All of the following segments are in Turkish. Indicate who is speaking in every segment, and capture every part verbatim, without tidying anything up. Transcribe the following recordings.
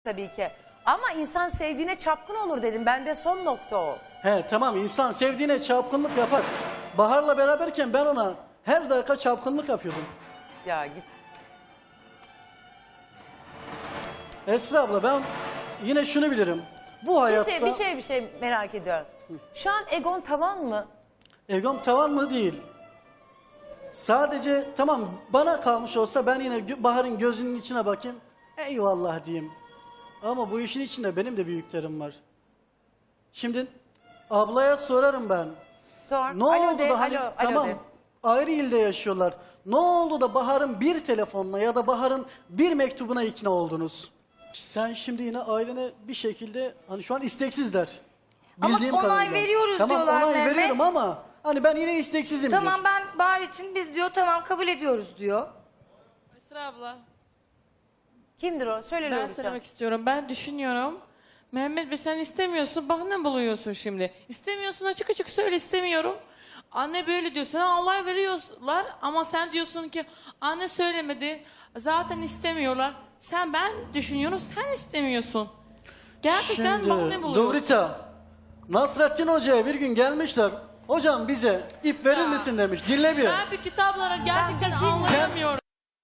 Speaker 1: tabii ki. Ama insan sevdiğine çapkın olur dedim. Bende son nokta o.
Speaker 2: He tamam, insan sevdiğine çapkınlık yapar. Bahar'la beraberken ben ona her dakika çapkınlık yapıyordum.
Speaker 1: Ya git.
Speaker 2: Esra abla, ben yine şunu bilirim. Bu
Speaker 1: Bir
Speaker 2: hayatta
Speaker 1: şey, bir şey bir şey merak ediyorum. Şu an egon tavan mı?
Speaker 2: egom tavan mı değil. Sadece tamam, bana kalmış olsa ben yine gö- Bahar'ın gözünün içine bakayım. Eyvallah diyeyim. Ama bu işin içinde benim de büyüklerim var. Şimdi ablaya sorarım ben.
Speaker 1: Sor.
Speaker 2: Ne
Speaker 1: Alo
Speaker 2: oldu
Speaker 1: de,
Speaker 2: da hani
Speaker 1: alo, alo
Speaker 2: tamam
Speaker 1: de.
Speaker 2: ayrı ilde yaşıyorlar. Ne oldu da Bahar'ın bir telefonla ya da Bahar'ın bir mektubuna ikna oldunuz? Sen şimdi yine ailene bir şekilde hani şu an isteksizler.
Speaker 3: Ama
Speaker 2: Bildiğim
Speaker 3: onay
Speaker 2: kadarıyla.
Speaker 3: veriyoruz
Speaker 2: tamam,
Speaker 3: diyorlar
Speaker 2: onay
Speaker 3: Mehmet.
Speaker 2: veriyorum ama hani ben yine isteksizim
Speaker 3: Tamam
Speaker 2: diyor.
Speaker 3: ben Bahar için biz diyor tamam kabul ediyoruz diyor.
Speaker 4: Esra abla,
Speaker 1: Kimdir o? Söyle
Speaker 4: ben
Speaker 1: Lolita.
Speaker 4: söylemek istiyorum. Ben düşünüyorum. Mehmet Bey sen istemiyorsun, bahane buluyorsun şimdi. İstemiyorsun, açık açık söyle istemiyorum. Anne böyle diyor, sana olay veriyorlar ama sen diyorsun ki anne söylemedi, zaten istemiyorlar. Sen ben düşünüyorum, sen istemiyorsun. Gerçekten
Speaker 2: Şimdi
Speaker 4: bahane buluyorsun.
Speaker 2: Lolita, Nasrettin Hoca'ya bir gün gelmişler. Hocam bize ip verir
Speaker 4: Ya.
Speaker 2: misin demiş. Dinle bir.
Speaker 4: Ben bir kitaplara gerçekten
Speaker 1: Ben bir dinle.
Speaker 4: anlayamıyorum.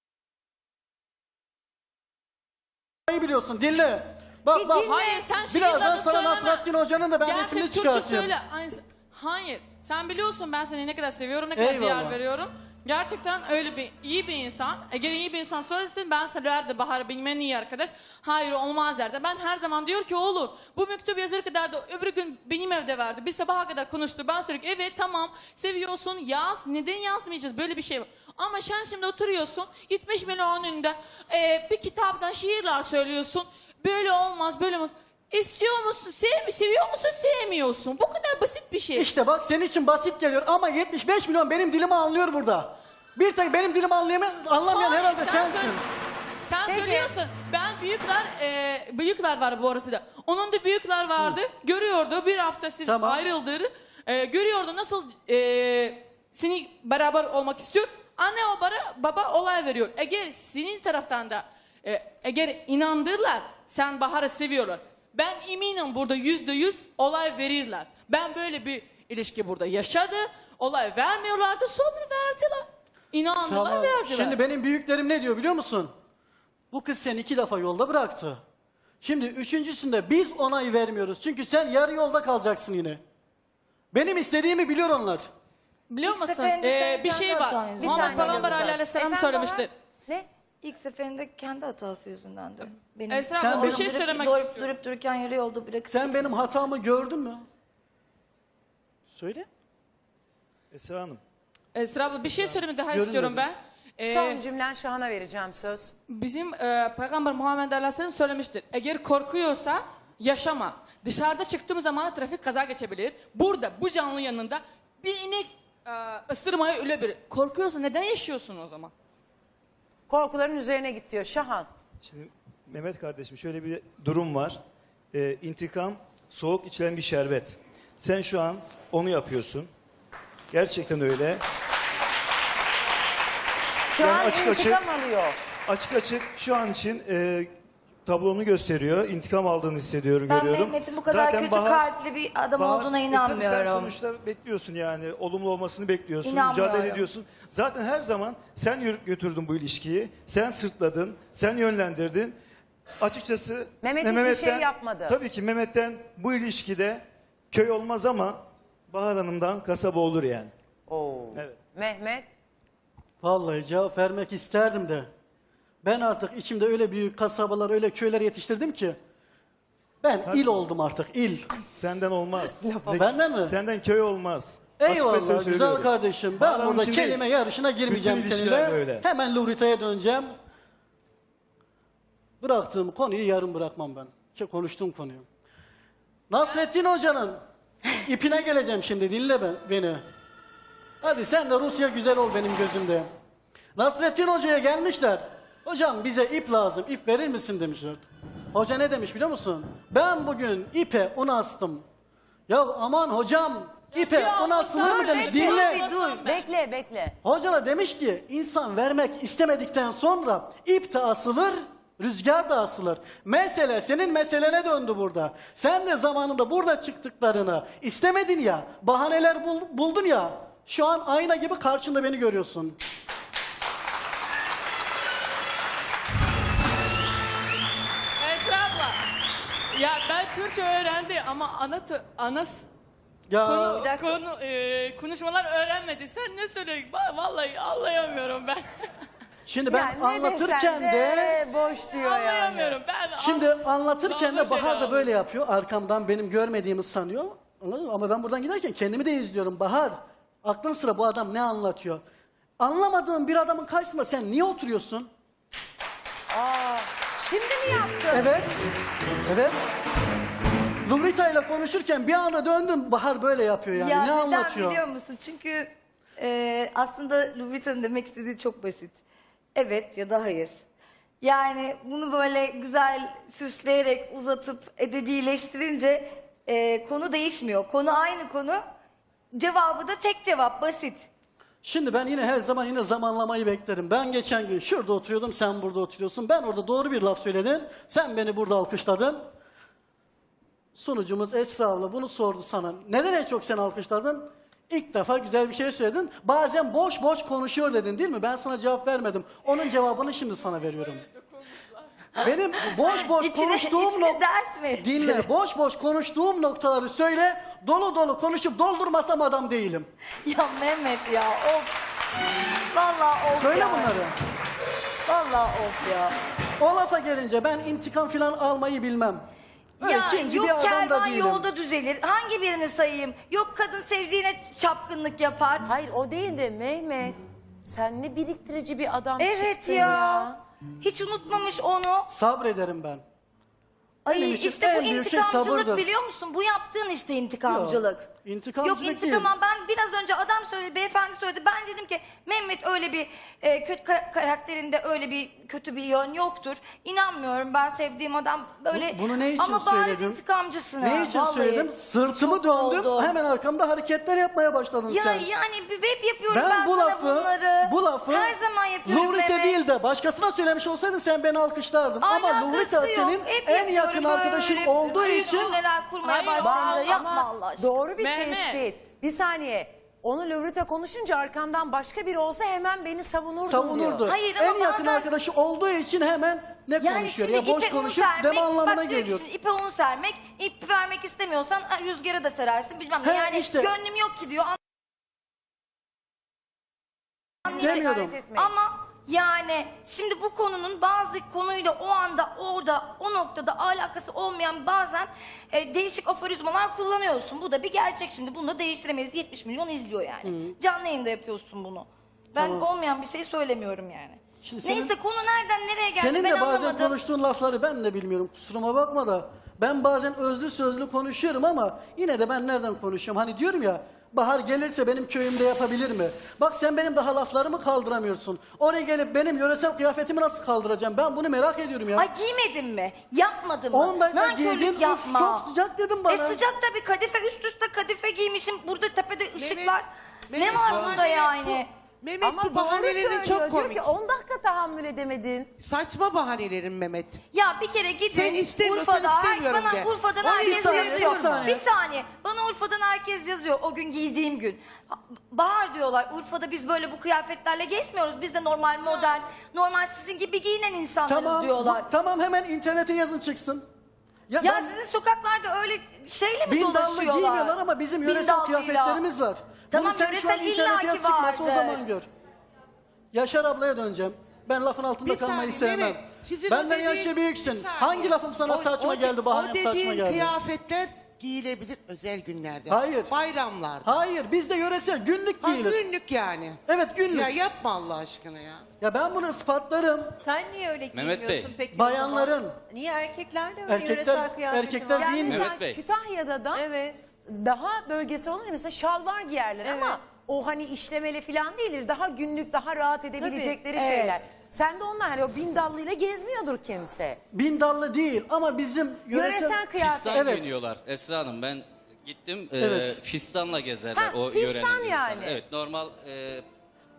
Speaker 2: İyi biliyorsun, dinle. Bak
Speaker 1: Bir
Speaker 2: bak.
Speaker 1: dinle.
Speaker 4: Hayır sen şiir
Speaker 2: Birazdan
Speaker 4: adı
Speaker 2: sana
Speaker 4: söyleme.
Speaker 2: Nasrettin Hoca'nın da ben
Speaker 4: Gerçek
Speaker 2: resmini
Speaker 4: Türkçe
Speaker 2: çıkartayım.
Speaker 4: söyle. Aynısı- Hayır. Sen biliyorsun ben seni ne kadar seviyorum, ne kadar
Speaker 2: Eyvallah.
Speaker 4: değer veriyorum. Gerçekten öyle bir iyi bir insan. Eğer iyi bir insan söylesin ben severdim Bahar benim en iyi arkadaş. Hayır olmaz derdi. Ben her zaman diyor ki olur. Bu mektubu yazır kadar da öbür gün benim evde verdi. Bir sabaha kadar konuştu. Ben sürekli evet tamam seviyorsun yaz. Neden yazmayacağız? Böyle bir şey var. Ama sen şimdi oturuyorsun yetmiş milyon önünde e, bir kitaptan şiirler söylüyorsun. Böyle olmaz böyle olmaz. İstiyor musun? Sev, seviyor musun? Sevmiyorsun. Bu kadar basit bir şey.
Speaker 2: İşte bak senin için basit geliyor ama yetmiş beş milyon benim dilimi anlıyor burada. Bir tek benim dilimi anlayamayan, anlamayan
Speaker 4: Hayır,
Speaker 2: herhalde
Speaker 4: sen
Speaker 2: sensin.
Speaker 4: söyle- Sen
Speaker 1: Peki.
Speaker 4: söylüyorsun. Ben büyükler, e, büyükler var bu arası da. Onun da büyükler vardı. Görüyordu bir hafta siz
Speaker 2: Tamam.
Speaker 4: ayrıldığını. E, görüyordu nasıl e, seni beraber olmak istiyor. Anne o bara, baba olay veriyor. Eğer senin taraftan da e, eğer inandırlar sen Bahar'ı seviyorlar. Ben eminim burada yüzde yüz olay verirler. Ben böyle bir ilişki burada yaşadı. Olay vermiyorlardı sonra verdiler. İnandılar
Speaker 2: Tamam.
Speaker 4: verdiler.
Speaker 2: Şimdi benim büyüklerim ne diyor biliyor musun? Bu kız seni iki defa yolda bıraktı. Şimdi üçüncüsünde biz onay vermiyoruz. Çünkü sen yarı yolda kalacaksın yine. Benim istediğimi biliyor onlar.
Speaker 4: Biliyor
Speaker 3: İlk
Speaker 4: musun?
Speaker 3: seferinde
Speaker 4: Ee,
Speaker 3: sen
Speaker 4: bir
Speaker 3: kendi
Speaker 4: şey var.
Speaker 3: hatan yüzünden.
Speaker 4: Muhammed
Speaker 1: Bir saniye
Speaker 4: Peygamber
Speaker 1: Lolita.
Speaker 4: aleyhisselam
Speaker 1: Efendim
Speaker 4: söylemiştir.
Speaker 1: Bahar? Ne?
Speaker 3: İlk seferinde kendi hatası yüzündendi. Benim
Speaker 4: Esra
Speaker 2: Sen
Speaker 4: abla bir
Speaker 2: benim-
Speaker 4: şey
Speaker 3: durup,
Speaker 4: söylemek
Speaker 3: durup,
Speaker 4: istiyorum.
Speaker 3: durup dururken yarı yolda bırakıp
Speaker 2: Sen
Speaker 3: gitme.
Speaker 2: benim hatamı gördün mü? Söyle.
Speaker 5: Esra Hanım.
Speaker 4: Esra abla bir şey söylemek daha
Speaker 2: Görünmedi.
Speaker 4: istiyorum ben. Ee,
Speaker 1: Son cümlen Şahan'a vereceğim söz.
Speaker 4: Bizim e, Peygamber Muhammed aleyhisselam söylemiştir. Eğer korkuyorsa yaşama. Dışarıda çıktığım zaman trafik kaza geçebilir. Burada bu canlı yanında bir inek e, ısırmaya ölebilir. Korkuyorsa neden yaşıyorsun o zaman?
Speaker 1: Korkuların üzerine git diyor Şahan.
Speaker 5: Şimdi Mehmet kardeşim şöyle bir durum var. Ee, intikam soğuk içilen bir şerbet. Sen şu an onu yapıyorsun. Gerçekten öyle.
Speaker 1: Şu
Speaker 5: Yani
Speaker 1: an
Speaker 5: açık
Speaker 1: intikam
Speaker 5: açık-
Speaker 1: alıyor.
Speaker 5: Açık açık şu an için e, tablonu gösteriyor. İntikam aldığını hissediyorum,
Speaker 3: Ben
Speaker 5: görüyorum.
Speaker 3: Mehmet'in bu kadar kötü kalpli bir adam
Speaker 5: Bahar,
Speaker 3: olduğuna
Speaker 5: e, tabii Sen
Speaker 3: inanmıyorum.
Speaker 5: sonuçta bekliyorsun yani. Olumlu olmasını bekliyorsun.
Speaker 3: İnanmıyorum.
Speaker 5: Mücadele ediyorsun. Zaten her zaman sen yürü- götürdün bu ilişkiyi. Sen sırtladın. Sen yönlendirdin. Açıkçası
Speaker 1: Mehmet
Speaker 5: ne
Speaker 1: hiçbir
Speaker 5: Mehmet'ten-
Speaker 1: şey yapmadı.
Speaker 5: Tabii ki Mehmet'ten bu ilişkide köy olmaz ama Bahar Hanım'dan kasaba olur yani.
Speaker 1: Oo.
Speaker 5: Evet.
Speaker 1: Mehmet.
Speaker 2: Vallahi cevap vermek isterdim de. Ben artık içimde öyle büyük kasabalar, öyle köyler yetiştirdim ki. Ben il oldum artık, il.
Speaker 5: Senden olmaz. Ne-
Speaker 2: Benden mi?
Speaker 5: Senden köy olmaz. Açık ve
Speaker 2: Eyvallah
Speaker 5: söz
Speaker 2: güzel
Speaker 5: söylüyorum.
Speaker 2: kardeşim.
Speaker 5: Bahar
Speaker 2: Ben
Speaker 5: Hanım
Speaker 2: burada
Speaker 5: için
Speaker 2: kelime
Speaker 5: değil.
Speaker 2: yarışına girmeyeceğim
Speaker 5: Bütün ilişkiler
Speaker 2: seninle.
Speaker 5: böyle.
Speaker 2: Hemen Lurita'ya döneceğim. Bıraktığım konuyu yarım bırakmam ben. Şey, konuştuğum konuyu. Nasrettin Hoca'nın ipine geleceğim şimdi, dinle ben, beni. Hadi sen de Rusya güzel ol benim gözümde. Nasrettin Hoca'ya gelmişler. Hocam bize ip lazım, ip verir misin demişler. Hoca ne demiş biliyor musun? Ben bugün ipe un astım. Ya aman hocam, ipe
Speaker 4: Ya
Speaker 2: un asılır
Speaker 4: dur,
Speaker 2: mı demiş.
Speaker 4: bekle,
Speaker 2: Dinle.
Speaker 4: bir dur.
Speaker 1: Bekle bekle.
Speaker 2: Hoca da demiş ki insan vermek istemedikten sonra ip de asılır, Rüzgar da asılır. Mesele senin meselene döndü burada. Sen de zamanında burada çıktıklarını istemedin ya, bahaneler bul- buldun ya. Şu an ayna gibi karşında beni görüyorsun.
Speaker 4: Esra abla. Ya ben Türkçe öğrendi ama ana tö- ana s-
Speaker 2: Ya
Speaker 4: konu,
Speaker 3: Bir dakika.
Speaker 4: konu e, konuşmalar öğrenmedi. Sen ne söylüyorsun? Va- Vallahi anlayamıyorum ben.
Speaker 2: şimdi ben
Speaker 1: Yani ne
Speaker 2: anlatırken
Speaker 1: desen
Speaker 2: de
Speaker 1: boş diyor yani.
Speaker 4: Anlayamıyorum ben.
Speaker 2: şimdi anlatırken de
Speaker 4: Bazı şeyler
Speaker 2: Bahar da
Speaker 4: anladım.
Speaker 2: böyle yapıyor. Arkamdan benim görmediğimi sanıyor. Anladın mı? Ama ben buradan giderken kendimi de izliyorum. Bahar, aklın sıra bu adam ne anlatıyor? Anlamadığın bir adamın karşısında sen niye oturuyorsun?
Speaker 1: Aa, şimdi mi yaptın?
Speaker 2: Evet. Evet. Lubrita ile konuşurken bir anda döndüm. Bahar böyle yapıyor yani.
Speaker 3: Ya
Speaker 2: ne
Speaker 3: neden
Speaker 2: anlatıyor?
Speaker 3: biliyor musun? Çünkü e, aslında Lubrita'nın demek istediği çok basit. Evet ya da hayır. Yani bunu böyle güzel süsleyerek uzatıp edebileştirince e, konu değişmiyor. Konu aynı konu. Cevabı da tek cevap, basit.
Speaker 2: Şimdi ben yine her zaman yine zamanlamayı beklerim. Ben geçen gün şurada oturuyordum, sen burada oturuyorsun. Ben orada doğru bir laf söyledin. Sen beni burada alkışladın. Sunucumuz Esra abla bunu sordu sana. Neden en çok sen alkışladın? İlk defa güzel bir şey söyledin. Bazen boş boş konuşuyor dedin değil mi? Ben sana cevap vermedim. Onun cevabını şimdi sana veriyorum. Benim boş boş
Speaker 3: İçine,
Speaker 2: konuştuğum
Speaker 3: içine
Speaker 2: nokta...
Speaker 3: dert mi?
Speaker 2: Dinle, boş boş konuştuğum noktaları söyle. Dolu dolu konuşup doldurmasam adam değilim.
Speaker 3: Ya Mehmet ya of. Vallahi of
Speaker 2: Söyle
Speaker 3: ya.
Speaker 2: bunları.
Speaker 3: Vallahi of ya.
Speaker 2: O lafa gelince ben intikam falan almayı bilmem. Öyle
Speaker 3: Ya
Speaker 2: ikinci
Speaker 3: yok
Speaker 2: bir adam da
Speaker 3: kervan
Speaker 2: değilim.
Speaker 3: yolda düzelir. Hangi birini sayayım? Yok kadın sevdiğine çapkınlık yapar.
Speaker 1: Hayır o değil de Mehmet. Sen ne biriktirici bir adam
Speaker 3: Evet
Speaker 1: çıktın
Speaker 3: ya.
Speaker 1: ya.
Speaker 3: Hiç unutmamış onu.
Speaker 2: Sabrederim ben.
Speaker 3: Ay
Speaker 2: Benim için
Speaker 3: işte bu
Speaker 2: en büyük şey
Speaker 3: intikamcılık
Speaker 2: sabırdır.
Speaker 3: biliyor musun? Bu yaptığın işte intikamcılık.
Speaker 2: Yok, intikamcılık
Speaker 3: Yok intikam
Speaker 2: değil.
Speaker 3: ben biraz önce adam söyledi, beyefendi söyledi. Ben dedim ki Mehmet öyle bir e, kötü ka- karakterinde öyle bir kötü bir yön yoktur. İnanmıyorum ben sevdiğim adam böyle.
Speaker 2: Bu- bunu ne için
Speaker 3: Ama bariz
Speaker 2: söyledin?
Speaker 3: intikamcısın ha,
Speaker 2: Ne için
Speaker 3: vallahi.
Speaker 2: söyledim? Sırtımı
Speaker 3: Çok
Speaker 2: döndüm.
Speaker 3: oldu.
Speaker 2: Hemen arkamda hareketler yapmaya başladın
Speaker 3: Ya
Speaker 2: sen.
Speaker 3: yani hep yapıyorum ben,
Speaker 2: Ben bu
Speaker 3: sana
Speaker 2: lafı,
Speaker 3: bunları.
Speaker 2: bu lafı
Speaker 3: Her zaman yapıyorum
Speaker 2: Luvrite
Speaker 3: Mehmet.
Speaker 2: değil de başkasına söylemiş olsaydım sen beni alkışlardın. Ama
Speaker 3: Alakası
Speaker 2: Luvrite
Speaker 3: yok.
Speaker 2: senin
Speaker 3: Hep
Speaker 2: en
Speaker 3: yapıyorum
Speaker 2: yakın arkadaşın
Speaker 3: böyle
Speaker 2: olduğu
Speaker 3: büyük
Speaker 2: için
Speaker 3: cümleler kurmaya
Speaker 4: Hayır,
Speaker 3: başlayınca
Speaker 4: ama-
Speaker 3: yapma
Speaker 1: Ama
Speaker 3: Allah aşkına.
Speaker 1: doğru bir
Speaker 4: Mehmet.
Speaker 1: tespit. Bir saniye. Onu Lovrita konuşunca arkamdan başka biri olsa hemen beni savunurdun
Speaker 2: savunurdu.
Speaker 1: diyor.
Speaker 3: Hayır, ama
Speaker 2: en yakın
Speaker 3: bazen-
Speaker 2: arkadaşı olduğu için hemen ne
Speaker 3: Yani
Speaker 2: konuşuyor
Speaker 3: şimdi
Speaker 2: ya boş
Speaker 3: ipe un
Speaker 2: konuşup
Speaker 3: sermek,
Speaker 2: deme anlamına
Speaker 3: bak diyor ki
Speaker 2: geliyor.
Speaker 3: şimdi ipe un sermek, ip vermek istemiyorsan ha, rüzgara da serarsın bilmem ne.
Speaker 2: He,
Speaker 3: Yani
Speaker 2: işte.
Speaker 3: gönlüm yok ki diyor.
Speaker 2: Demiyorum.
Speaker 1: Hakaret etmeyin.
Speaker 3: Ama yani şimdi bu konunun bazı konuyla o anda orada o noktada alakası olmayan bazen e, değişik aforizmalar kullanıyorsun. Bu da bir gerçek şimdi. Bunu da değiştiremeyiz. yetmiş milyon izliyor yani. Canlı yayında yapıyorsun bunu. Ben
Speaker 2: Tamam.
Speaker 3: olmayan bir şey söylemiyorum yani.
Speaker 2: Şimdi senin-
Speaker 3: Neyse konu nereden nereye geldi
Speaker 2: Senin
Speaker 3: ben
Speaker 2: de bazen
Speaker 3: anlamadım.
Speaker 2: konuştuğun lafları ben de bilmiyorum. Kusuruma bakma da. Ben bazen özlü sözlü konuşuyorum ama yine de ben nereden konuşuyorum? Hani diyorum ya Bahar gelirse benim köyümde yapabilir mi? Bak sen benim daha laflarımı kaldıramıyorsun. Oraya gelip benim yöresel kıyafetimi nasıl kaldıracağım? Ben bunu merak ediyorum ya.
Speaker 3: Ay giymedin mi? Yapmadın mı?
Speaker 2: on dakika
Speaker 3: Nankörlük
Speaker 2: giydin, uf,
Speaker 3: yapma.
Speaker 2: çok sıcak dedim bana.
Speaker 3: E sıcak tabii kadife üst üste kadife giymişim. Burada tepede ışıklar. ne
Speaker 6: Mehmet,
Speaker 3: var
Speaker 6: bu-
Speaker 3: burada yani?
Speaker 6: Mehmet
Speaker 1: Ama
Speaker 6: bu
Speaker 1: doğru
Speaker 6: bahanelerin
Speaker 1: söylüyor.
Speaker 6: çok
Speaker 1: Diyor
Speaker 6: komik.
Speaker 1: ki on dakika tahammül edemedin.
Speaker 6: Saçma bahanelerin Mehmet.
Speaker 3: Ya bir kere gidin
Speaker 6: Sen istemiyorsan
Speaker 3: Urfa'da, her-
Speaker 6: istemiyorum
Speaker 3: bana
Speaker 6: de.
Speaker 3: Urfa'dan
Speaker 2: O bir
Speaker 3: herkes
Speaker 2: saniye,
Speaker 3: yazıyor.
Speaker 2: bir saniye.
Speaker 3: Bir saniye. Bana Urfa'dan herkes yazıyor o gün giydiğim gün. Bahar diyorlar Urfa'da biz böyle bu kıyafetlerle gezmiyoruz. Biz de normal model, normal sizin gibi giyinen insanlarız
Speaker 2: Tamam,
Speaker 3: diyorlar.
Speaker 2: bu- tamam hemen internete yazın çıksın. Ya,
Speaker 3: Ya
Speaker 2: ben
Speaker 3: sizin sokaklarda öyle şeyle mi
Speaker 2: bindallı
Speaker 3: dolaşıyorlar?
Speaker 2: giymiyorlar ama bizim yöresel
Speaker 3: Bindallıyla.
Speaker 2: kıyafetlerimiz var.
Speaker 3: Tamam,
Speaker 2: Bunu sen şu an
Speaker 3: yöresel
Speaker 2: internete yaz
Speaker 3: illaki
Speaker 2: çıkmasa o
Speaker 3: vardır.
Speaker 2: zaman gör. Yaşar ablaya döneceğim. Ben lafın altında
Speaker 6: Bir
Speaker 2: kalmayı
Speaker 6: saniye,
Speaker 2: sevmem.
Speaker 6: Mehmet, sizin
Speaker 2: Benden
Speaker 6: o dediğin-
Speaker 2: yaşça büyüksün.
Speaker 6: Bir saniye.
Speaker 2: Hangi lafım sana
Speaker 6: O-
Speaker 2: saçma
Speaker 6: o de-
Speaker 2: geldi, bahanem
Speaker 6: O
Speaker 2: saçma
Speaker 6: dediğin
Speaker 2: geldi?
Speaker 6: kıyafetler giyilebilir özel günlerde.
Speaker 2: Hayır.
Speaker 6: Bayramlarda.
Speaker 2: Hayır, biz de yöresel günlük
Speaker 6: Ha,
Speaker 2: değiliz.
Speaker 6: günlük yani.
Speaker 2: Evet, günlük.
Speaker 6: Ya
Speaker 2: Ya,
Speaker 6: yapma Allah aşkına ya.
Speaker 2: ben bunu ispatlarım.
Speaker 7: Sen niye öyle
Speaker 8: Mehmet
Speaker 7: giymiyorsun
Speaker 8: Bey.
Speaker 7: peki? o
Speaker 2: Bayanların.
Speaker 7: zaman? Niye erkekler de öyle
Speaker 2: Erkekler-
Speaker 7: yöresel kıyafeti
Speaker 2: erkekler
Speaker 7: var?
Speaker 1: Yani
Speaker 2: giymiyor.
Speaker 1: mesela
Speaker 8: Mehmet Bey.
Speaker 1: Kütahya'da da
Speaker 7: Evet.
Speaker 1: daha bölgesi olunca mesela şalvar giyerler
Speaker 7: Evet.
Speaker 1: ama o hani işlemeli falan değildir. Daha günlük, daha rahat edebilecekleri
Speaker 3: Tabii.
Speaker 1: şeyler. Sen de onlar hani o bindallıyla gezmiyordur kimse.
Speaker 2: Bindallı değil ama bizim yöresel...
Speaker 1: Yöresel kıyafet.
Speaker 8: Fistan
Speaker 2: Evet.
Speaker 8: giyiniyorlar Esra Hanım. Ben gittim. e,
Speaker 2: Evet.
Speaker 8: fistanla gezerler
Speaker 1: Ha,
Speaker 8: o
Speaker 1: fistan
Speaker 8: yörenin
Speaker 1: yani.
Speaker 8: insanı. Evet, normal e,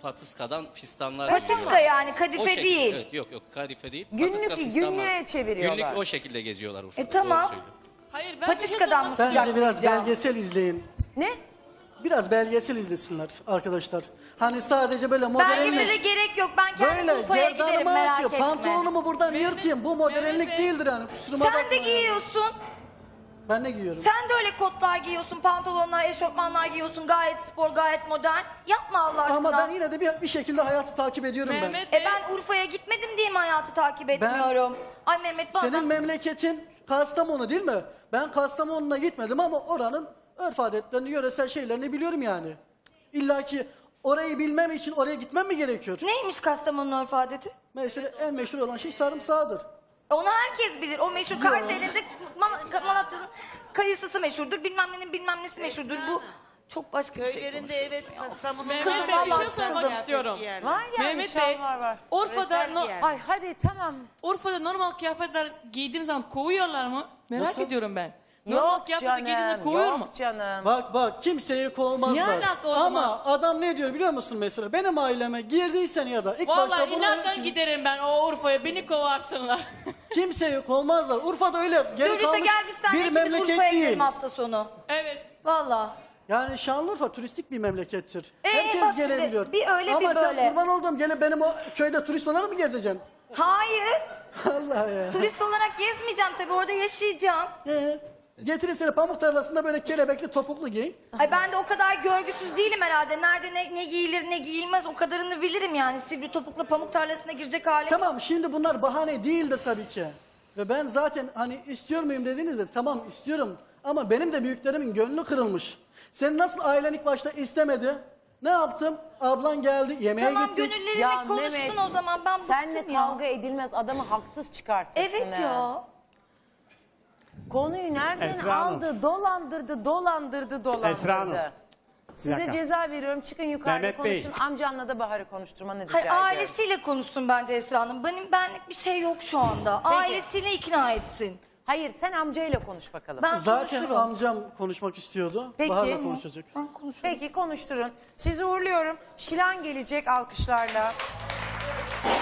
Speaker 8: patiskadan fistanlar
Speaker 3: Patiska
Speaker 8: giyiyorlar.
Speaker 3: yani, kadife
Speaker 8: O şekilde,
Speaker 3: değil.
Speaker 8: Evet, yok yok kadife değil.
Speaker 1: Günlük-
Speaker 8: patiska fistan var.
Speaker 1: günlüğe çeviriyorlar.
Speaker 8: Günlük o şekilde geziyorlar Urfa'da.
Speaker 3: E, tamam.
Speaker 8: Doğru söylüyor.
Speaker 4: Hayır ben bir şey
Speaker 3: Patiskadan
Speaker 4: sormak
Speaker 3: mı
Speaker 4: istiyorum.
Speaker 2: Bence biraz
Speaker 3: Sıcak
Speaker 2: belgesel izleyin.
Speaker 1: Ne?
Speaker 2: Biraz belgesel izlesinler arkadaşlar. Hani sadece böyle
Speaker 3: Belgesele
Speaker 2: modellik.
Speaker 3: gerek yok. Ben kendim
Speaker 2: Böyle
Speaker 3: Urfa'ya giderim,
Speaker 2: gerdanımı
Speaker 3: merak
Speaker 2: atıyor.
Speaker 3: etme.
Speaker 2: Pantolonumu buradan
Speaker 4: Mehmet-
Speaker 2: yırtayım. Bu modellik
Speaker 4: Mehmet Bey.
Speaker 2: değildir yani. Kusuruma
Speaker 3: Sen
Speaker 2: bakma
Speaker 3: de
Speaker 2: yani.
Speaker 3: giyiyorsun.
Speaker 2: Ben ne giyiyorum?
Speaker 3: Sen de öyle kotlar giyiyorsun, pantolonlar, eşofmanlar giyiyorsun. Gayet spor, gayet modern. Yapma Allah aşkına.
Speaker 2: Ama ben yine de bir, bir şekilde hayatı takip ediyorum
Speaker 4: Mehmet
Speaker 3: E ben Urfa'ya gitmedim diye mi hayatı takip etmiyorum? Ay
Speaker 2: ben.
Speaker 3: Mehmet bazen...
Speaker 2: Senin memleketin Kastamonu değil mi? Ben Kastamonu'na gitmedim ama oranın örf adetlerini, yöresel şeylerini biliyorum yani. İlla ki orayı bilmem için oraya gitmem mi gerekiyor?
Speaker 3: Neymiş Kastamonu'nun örf adeti?
Speaker 2: Mesela en meşhur olan şey sarımsağıdır.
Speaker 3: Onu herkes bilir. O meşhur Kayseri'de Man- Malatya'nın kayısısı meşhurdur. Bilmem nenin bilmem nesi meşhurdur. Bu çok başka bir şey.
Speaker 6: Köylerinde evet Kastamonu.
Speaker 4: Mehmet Bey, bir şey
Speaker 3: Vallahi
Speaker 4: sormak
Speaker 3: sıkıldım.
Speaker 4: istiyorum.
Speaker 1: Var yani
Speaker 4: Mehmet
Speaker 1: şal
Speaker 4: Bey,
Speaker 1: var var.
Speaker 4: Urfa'da,
Speaker 6: Özel
Speaker 4: no-
Speaker 6: giyer.
Speaker 1: Ay hadi tamam.
Speaker 4: Urfa'da normal kıyafetler giydiğim zaman kovuyorlar mı? Merak
Speaker 2: Nasıl?
Speaker 4: ediyorum ben. Normal
Speaker 1: Yok
Speaker 4: kıyafetler giydiğimde
Speaker 1: canım,
Speaker 4: kovuyor
Speaker 1: yok
Speaker 4: mu?
Speaker 1: canım.
Speaker 2: Bak bak kimseyi kovmazlar.
Speaker 4: Ne alaka o
Speaker 2: Ama
Speaker 4: zaman?
Speaker 2: adam ne diyor biliyor musun mesela? Benim aileme girdiysen ya da ilk başta
Speaker 4: Vallahi
Speaker 2: bunu
Speaker 4: inatla giderim ben o Urfa'ya, beni kovarsınlar.
Speaker 2: kimseyi kovmazlar. Urfa'da öyle geri
Speaker 3: Lolita
Speaker 2: kalmış
Speaker 3: gel biz seninle
Speaker 2: bir
Speaker 3: ikimiz
Speaker 2: memleket
Speaker 3: Urfa'ya
Speaker 2: değil.
Speaker 3: gidelim hafta sonu.
Speaker 4: Evet.
Speaker 3: Valla.
Speaker 2: Yani Şanlıurfa turistik bir memlekettir.
Speaker 3: Ee, bak
Speaker 2: Herkes
Speaker 3: şimdi,
Speaker 2: gelebiliyor.
Speaker 3: bir öyle,
Speaker 2: Ama
Speaker 3: bir
Speaker 2: sen
Speaker 3: böyle.
Speaker 2: kurban oldum gelip benim o köyde turist olarak mı gezeceksin?
Speaker 3: Hayır.
Speaker 2: Allah ya.
Speaker 3: Turist olarak gezmeyeceğim tabii. Orada yaşayacağım.
Speaker 2: Ee, getireyim seni pamuk tarlasında böyle kelebekli topuklu giy.
Speaker 3: Ay ben de o kadar görgüsüz değilim herhalde. Nerede ne, ne giyilir ne giyilmez o kadarını bilirim yani. Sivri topukla pamuk tarlasına girecek halim.
Speaker 2: Tamam şimdi bunlar bahane değildir tabii ki. Ve ben zaten hani istiyor muyum dediğinizde tamam istiyorum. Ama benim de büyüklerimin gönlü kırılmış. Senin nasıl ailen ilk başta istemedi? Ne yaptım? Ablan geldi yemeğe
Speaker 3: Tamam
Speaker 2: gittik.
Speaker 3: gönüllerine konuşsun o zaman ben
Speaker 1: Senle
Speaker 3: bıktım ya.
Speaker 1: kavga edilmez, adamı haksız çıkartırsın.
Speaker 3: Evet
Speaker 1: ha.
Speaker 3: ya.
Speaker 1: Konuyu nereden
Speaker 9: Esra Hanım.
Speaker 1: aldı? Dolandırdı, dolandırdı, dolandırdı.
Speaker 9: Esra Hanım.
Speaker 1: Size
Speaker 9: dakika.
Speaker 1: ceza veriyorum. Çıkın yukarıda
Speaker 9: Mehmet Bey.
Speaker 1: konuşun. Amcanla da Bahar'ı konuşturmanı rica
Speaker 3: Hayır
Speaker 1: ediyorum.
Speaker 3: ailesiyle konuşsun bence Esra Hanım. Benim benlik bir şey yok şu anda. Ailesiyle ikna etsin.
Speaker 1: Hayır sen amcayla konuş bakalım.
Speaker 3: Ben
Speaker 2: Zaten
Speaker 3: konuşurum.
Speaker 2: amcam konuşmak istiyordu.
Speaker 1: Peki.
Speaker 2: Bahar'la konuşacak.
Speaker 3: Ben konuşurum.
Speaker 1: Peki konuşturun. Sizi uğurluyorum. Şilan gelecek alkışlarla.